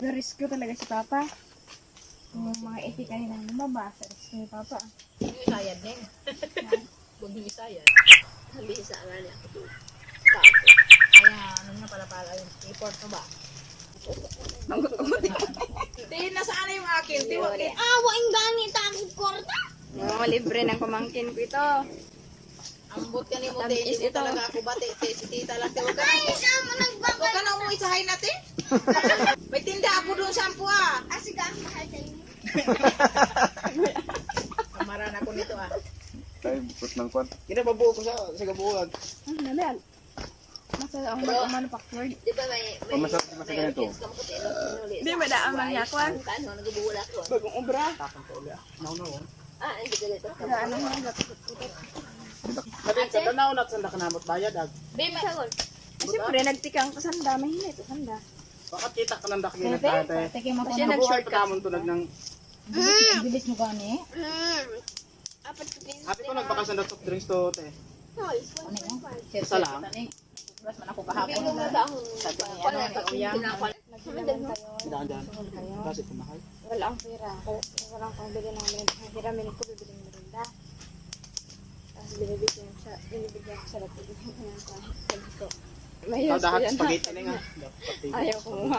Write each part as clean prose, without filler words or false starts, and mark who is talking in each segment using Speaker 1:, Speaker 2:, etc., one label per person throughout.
Speaker 1: Na-rescue talaga si Papa. Yung mga etika nila lumabas, rescue ni Papa.
Speaker 2: Isayad na yun. Huwag yung isayad.
Speaker 3: Sabi sa nga niya ako doon.
Speaker 2: Kaya ano na pala yung report mo ba? Tingin na saan na yung akin? Tiwag eh.
Speaker 3: Waing ganit ako korta.
Speaker 1: Oh, libre ng pamangkin ko ito.
Speaker 2: Ambot ka ni mo, hindi mo talaga ako bati. Si tita lang, huwag ka na umuwi sa hay natin. May tinda ako doon sa ampo ah.
Speaker 3: Sige, ang mahal sa inyo.
Speaker 2: Kamaran ako nito ah.
Speaker 4: Tayo bukot ng kwan. Kinababuo ko sa gabuhan.
Speaker 1: Nabihan. Masa ang manufactured.
Speaker 3: Di ba may
Speaker 4: Masarap di masarap ganito.
Speaker 1: Hindi, may daan man yakwan.
Speaker 3: Kano, nagbuwala ko.
Speaker 4: Bagong obra.
Speaker 3: Hindi ka dito.
Speaker 1: Ano mo, gatut-tutut.
Speaker 4: Sabi sa tanaw na sanda ka namot bayad ag.
Speaker 3: Babe, sagon.
Speaker 1: Siyempre, nagtikang ko sanda. May hinay ito sanda.
Speaker 4: Bakit kita ka nang dakilan tate?
Speaker 2: Teke mo
Speaker 1: Siya
Speaker 4: Nabuhay
Speaker 1: nag-short
Speaker 4: pa namon tulad ng
Speaker 2: bilis mo gani.
Speaker 3: Apat ko din.
Speaker 4: happy ko nagbakasyon na soft drinks to te. Isa lang.
Speaker 2: Plus man ako kahapon. Sabi niya, ano, uyang.
Speaker 4: Daan daan. Kasi kumahay.
Speaker 1: Wala ang pera. Wala akong bili ng merinda. Hiramin ko, bibili ng merinda. Tapos binibigyan ko sa lapit. Sabi ko, mayos ko
Speaker 4: Dahat
Speaker 1: yan.
Speaker 4: spaghetti na nga.
Speaker 1: Ayaw ko nga.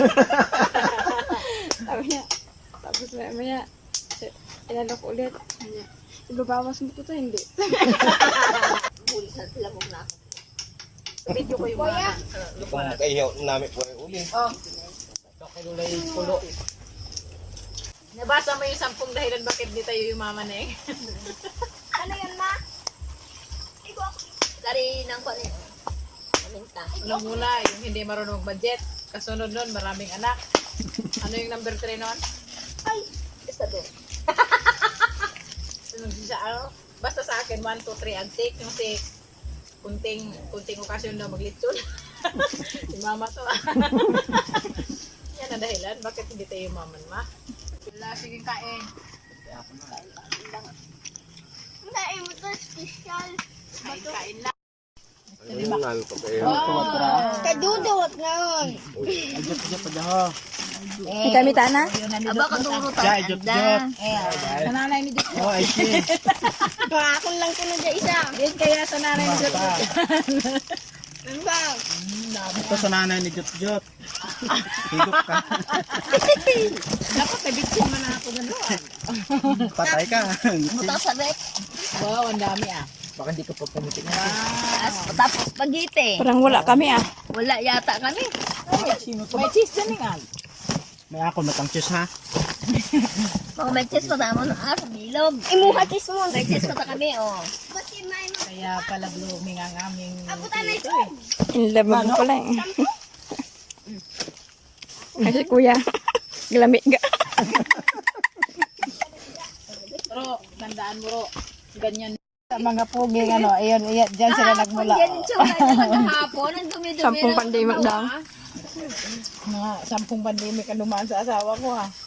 Speaker 1: Sabi niya, tapos maya, inalo ko ulit. Sabi niya, ibabawas mo ko to, hindi.
Speaker 3: Huli sa lamog na ako.
Speaker 2: Video ko yung mga
Speaker 5: Kung kayo namin po ay uli.
Speaker 2: Oh. Kulay pulo. Nabasa mo yung 10 dahilan bakit di tayo yumaman eh.
Speaker 3: Ano yan, ma? Dari ng kwan eh. Maminta.
Speaker 2: Unang muna, yung hindi marunong budget. Kasunod nun, maraming anak. Ano yung number 3 nun?
Speaker 3: Ay, isa doon.
Speaker 2: Sunod siya, ano? Basta sa akin, 1, 2, 3, and 6. Yung 6, kunting okasyon na maglitson. Si mama to. Yan ang dahilan. Bakit hindi tayo yumaman, ma? Wala, sige kain.
Speaker 3: Hindi, mo to special.
Speaker 2: Kain lang.
Speaker 5: Ayun nga pa kayo.
Speaker 3: Kadudot na yun.
Speaker 1: Kami tana?
Speaker 3: Aba, kadurot
Speaker 4: Ja, jot jot.
Speaker 2: Sa nanay ni Diyos.
Speaker 4: Oh, I see.
Speaker 3: Akong lang ko na dyan isa.
Speaker 2: Din kaya sa nanay ni Diyos.
Speaker 3: Ano ba?
Speaker 4: Ito sa nanay ni Jot Jot. Higop ka.
Speaker 2: Dapat nabitsin mo na ako gano'n.
Speaker 4: Patay ka.
Speaker 3: Buto sabi.
Speaker 2: Wow, ang dami ah.
Speaker 4: Baka hindi ka pa pumitik na.
Speaker 3: Tapos spaghetti.
Speaker 1: Parang wala kami ah.
Speaker 3: Wala yata kami.
Speaker 2: May cheese din nga.
Speaker 4: May ako matang cheese ha.
Speaker 3: Mga may cheese pa tamo ng araw, bilog. Imuha cheese mo. May cheese pa kami, oh.
Speaker 2: Kaya pala blooming ang aming dito eh.
Speaker 1: In love mo pala eh. Kasi kuya, glamig ga.
Speaker 2: Pero, tandaan mo ro, ganyan. Sa mga puging ano, ayun, dyan sila nagmula.
Speaker 3: Yan yung tsura niya maghapon. Ang dumi-dumi.
Speaker 1: 10 pandemic daw.
Speaker 2: Mga 10 pandemic ang dumaan sa asawa ko ha.